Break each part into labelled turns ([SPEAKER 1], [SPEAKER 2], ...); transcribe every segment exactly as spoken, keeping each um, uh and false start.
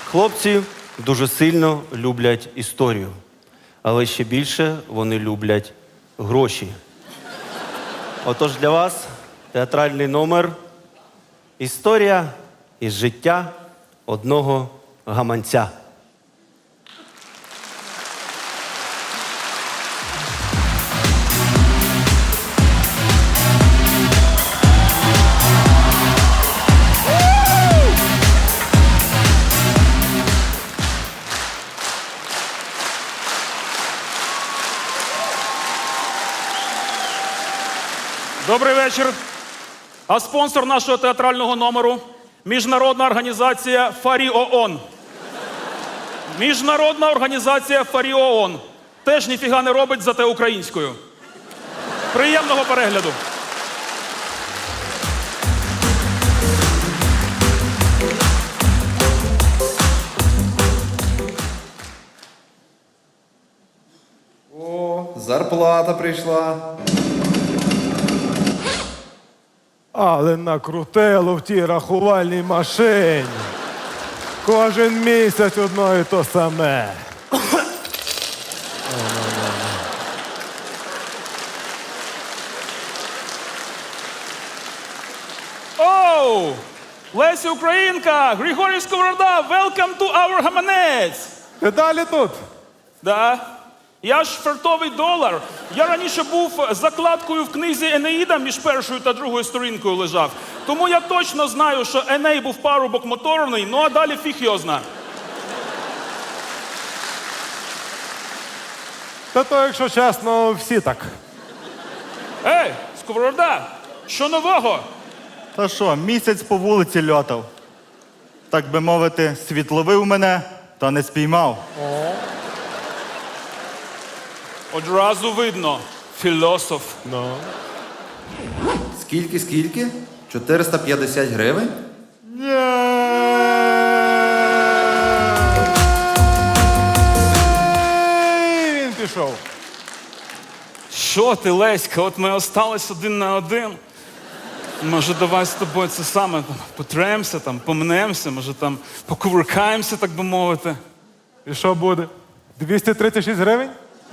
[SPEAKER 1] Хлопці дуже сильно люблять історію, але ще більше вони люблять гроші. Отож для вас театральний номер «Історія із життя одного гаманця».
[SPEAKER 2] Добрий вечір. А спонсор нашого театрального номеру – міжнародна організація Фарі ООН. Міжнародна організація Фарі ООН. Теж ніфіга не робить, зате українською. Приємного перегляду.
[SPEAKER 3] О, зарплата прийшла.
[SPEAKER 4] Але накрутило в тій рахувальній машині. Кожен місяць одно і то саме.
[SPEAKER 2] Оу! Леся Українка! Григорій Сковорода! Welcome to our гаманець!
[SPEAKER 4] Ти далі тут?
[SPEAKER 2] Да. Я ж фартовий долар. Я раніше був закладкою в книзі Енеїда між першою та другою сторінкою лежав. Тому я точно знаю, що Еней був парубок моторний, ну а далі фіг його зна.
[SPEAKER 4] Та то, якщо чесно, всі так.
[SPEAKER 2] Ей, Сковорода, що нового?
[SPEAKER 5] Та що, місяць по вулиці льотав. Так би мовити, світловив мене, та не спіймав.
[SPEAKER 2] Одразу видно. Філософ.
[SPEAKER 4] Ну.
[SPEAKER 3] Скільки, скільки? чотириста п'ятдесят гривень?
[SPEAKER 4] І він пішов.
[SPEAKER 2] Що ти, Леська, от ми остались один на один. Може, давай з тобою це саме там, потремся, там, помнемося, може там покувыркаємося, так би мовити.
[SPEAKER 4] І що буде? двісті тридцять шість гривень?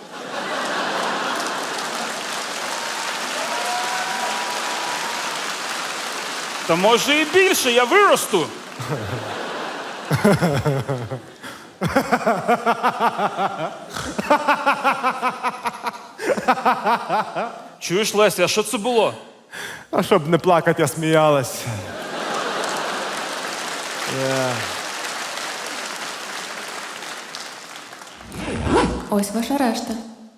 [SPEAKER 2] Та може і більше, я виросту. Чуєш, Леся, а що це було?
[SPEAKER 4] А щоб не плакати, я сміялась.
[SPEAKER 6] Ось ваша решта.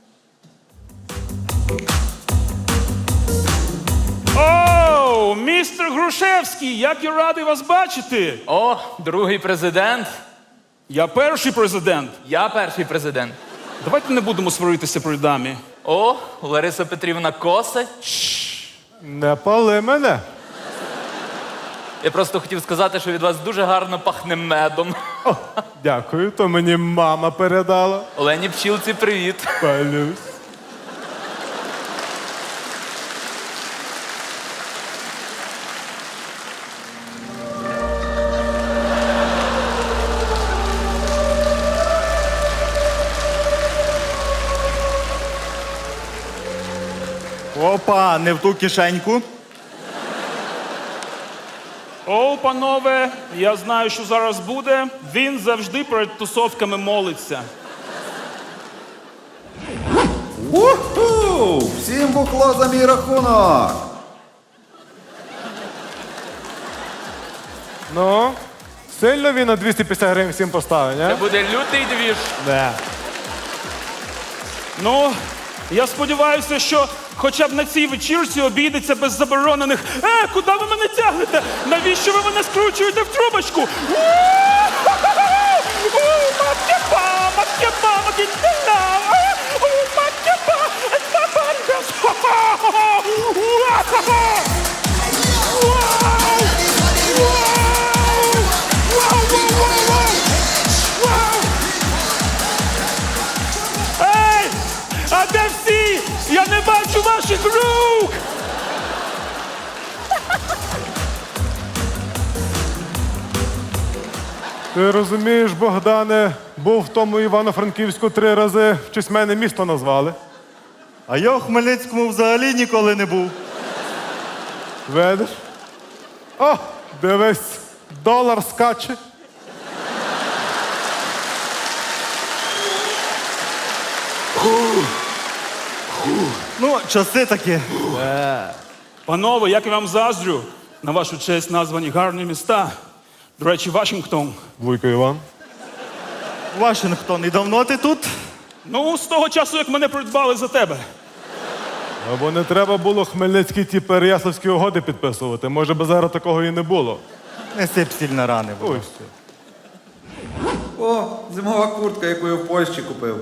[SPEAKER 2] Оу, містер Грушевський, як я радий вас бачити.
[SPEAKER 7] О, другий президент.
[SPEAKER 2] Я перший президент.
[SPEAKER 7] Я перший президент.
[SPEAKER 2] Давайте не будемо сваритися при дамі.
[SPEAKER 7] О, Лариса Петрівна коса.
[SPEAKER 4] Не пали мене.
[SPEAKER 7] Я просто хотів сказати, що від вас дуже гарно пахне медом.
[SPEAKER 4] О, дякую, то мені мама передала.
[SPEAKER 7] Олені Пчілці, привіт.
[SPEAKER 4] Палюсь.
[SPEAKER 5] Опа, не в ту кишеньку.
[SPEAKER 2] Оу, панове, я знаю, що зараз буде. Він завжди перед тусовками молиться.
[SPEAKER 3] Уху! Всім бухло за мій рахунок!
[SPEAKER 4] Ну, сильно він на двісті п'ятдесят гривень всім поставить,
[SPEAKER 7] Це
[SPEAKER 4] не?
[SPEAKER 7] буде лютий двіж.
[SPEAKER 4] Не.
[SPEAKER 2] Ну, я сподіваюся, що хоча б на цій вечірці обійдеться без заборонених «Е, куди ви мене тягнете? Навіщо ви мене скручуєте в трубочку?» Мак'япа, мак'япа, мак'япа, мак'япа, Ей! А де всі? Я не бачу ваших рук!
[SPEAKER 4] Ти розумієш, Богдане, був в тому Івано-Франківську три рази, в честь мене місто назвали.
[SPEAKER 5] А я у Хмельницькому взагалі ніколи не був.
[SPEAKER 4] Видиш? О, дивись, долар скаче.
[SPEAKER 5] Ну, часи такі.
[SPEAKER 2] Панове, як я вам заздрю, на вашу честь названі гарні міста. До речі, Вашингтон.
[SPEAKER 4] Вуйко Іван.
[SPEAKER 5] Вашингтон, і давно ти тут?
[SPEAKER 2] Ну, з того часу, як мене придбали за тебе.
[SPEAKER 4] Або не треба було хмельницькі ті Переяславські угоди підписувати. Може би зараз такого і не було.
[SPEAKER 5] Не сип сіль на рани. будь
[SPEAKER 4] Ой,
[SPEAKER 5] ласка.
[SPEAKER 4] все.
[SPEAKER 3] О, зимова куртка, яку я в Польщі купив.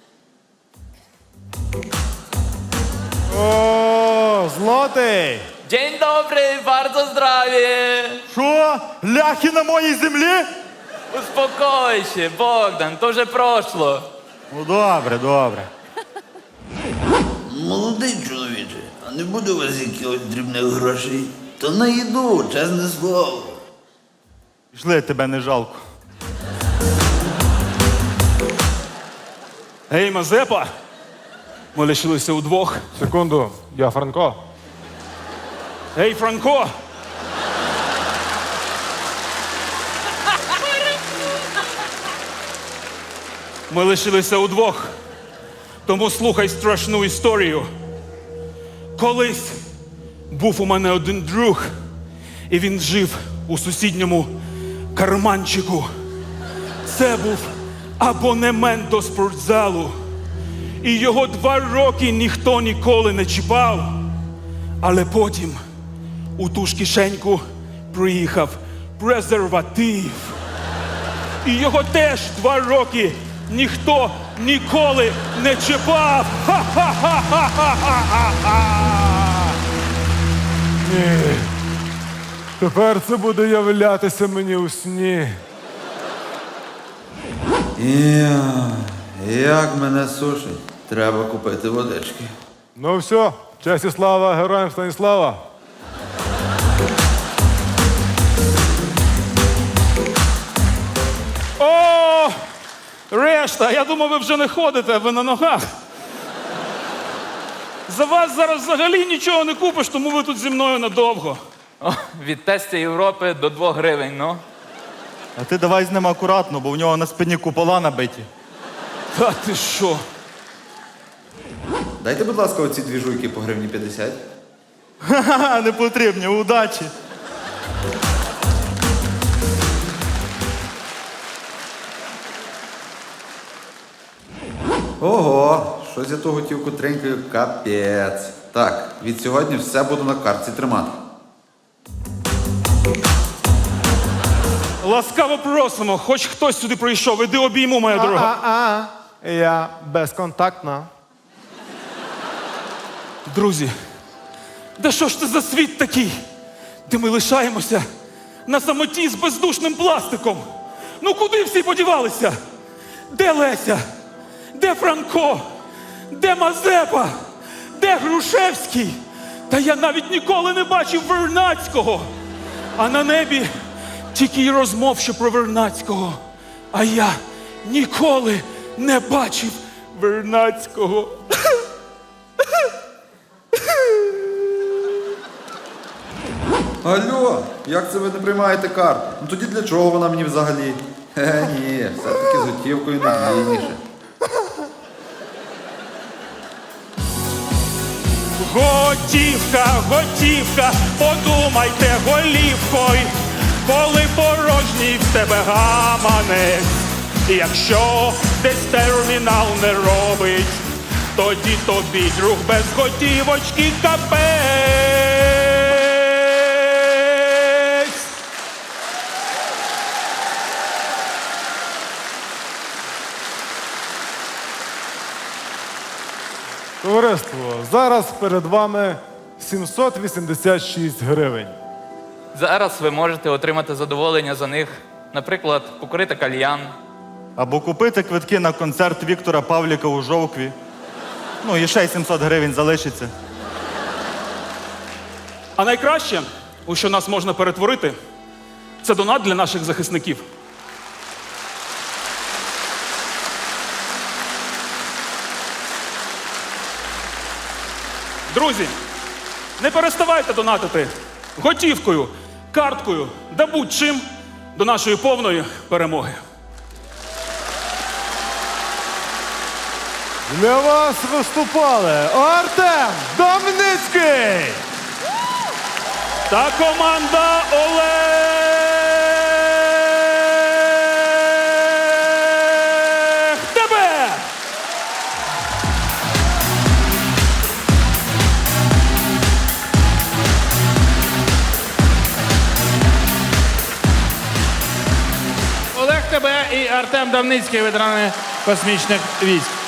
[SPEAKER 4] О, злотий!
[SPEAKER 7] Dzień dobry, bardzo zdrowie.
[SPEAKER 5] Що? Ляхи на моїй землі?
[SPEAKER 7] Uspokój się, Bogdan, to вже прошло.
[SPEAKER 5] Ну, добре, добре.
[SPEAKER 8] Молодий чоловіче, а не буде у вас якихось дрібних грошей? То на їду, чесне слово.
[SPEAKER 5] Пішли, тебе не жалко.
[SPEAKER 2] Гей, Мазепа! Ми лишилися удвох.
[SPEAKER 4] Секунду, я Франко.
[SPEAKER 2] Гей, Франко! Ми лишилися удвох. Тому слухай страшну історію. Колись був у мене один друг, і він жив у сусідньому карманчику. Це був абонемент до спортзалу. І його два роки ніхто ніколи не чіпав. Але потім у ту ж кишеньку приїхав презерватив. І його теж два роки ніхто ніколи не чіпав. Ха-ха-ха-ха-ха-ха-ха!
[SPEAKER 4] Ні. Тепер це буде являтися мені у сні.
[SPEAKER 3] Я, як мене сушить. Треба купити водички.
[SPEAKER 4] Ну все, честь і слава героям Станіслава.
[SPEAKER 2] О, решта, я думав, ви вже не ходите, ви на ногах. За вас зараз взагалі нічого не купиш, тому ви тут зі мною надовго.
[SPEAKER 7] О, від тестя Європи до двох гривень, ну.
[SPEAKER 5] А ти давай з ним акуратно, бо в нього на спині купола набиті.
[SPEAKER 2] Та ти що?
[SPEAKER 3] Дайте, будь ласка, оці дві жуйки по гривні п'ятдесят.
[SPEAKER 5] Ха-ха, не потрібні, удачі.
[SPEAKER 3] Ого, щось я ту готівку тренькаю, капець. Так, від сьогодні все буду на картці тримати.
[SPEAKER 2] Ласкаво просимо, хоч хтось сюди прийшов, іди обійму, моя дорога.
[SPEAKER 4] А-а, я безконтактна.
[SPEAKER 2] Друзі, да що ж це за світ такий, де ми лишаємося на самоті з бездушним пластиком? Ну куди всі подівалися? Де Леся? Де Франко? Де Мазепа? Де Грушевський? Та я навіть ніколи не бачив Вернадського. А на небі тільки й розмов, що про Вернадського. А я ніколи не бачив Вернадського.
[SPEAKER 3] Алло, як це ви не приймаєте карту? Ну тоді для чого вона мені взагалі? Е, ні, все-таки з готівкою надійніше.
[SPEAKER 2] Готівка, готівка, подумайте голівкою, коли порожній в тебе гаманець. Якщо десь термінал не робить, тоді тобі, друг, без готівочки капець.
[SPEAKER 4] Товариство, зараз перед вами сімсот вісімдесят шість гривень.
[SPEAKER 7] Зараз ви можете отримати задоволення за них. Наприклад, покурити кальян.
[SPEAKER 5] Або купити квитки на концерт Віктора Павліка у Жовкві. Ну, і ще й сімсот гривень залишиться.
[SPEAKER 2] А найкраще, у що нас можна перетворити, це донат для наших захисників. Друзі, не переставайте донатити готівкою, карткою да будь-чим до нашої повної перемоги.
[SPEAKER 4] Для вас виступали Артем Домницький!
[SPEAKER 2] Та команда Олег Тебе!
[SPEAKER 9] Олег Тебе і Артем Давницький, ветерани космічних військ.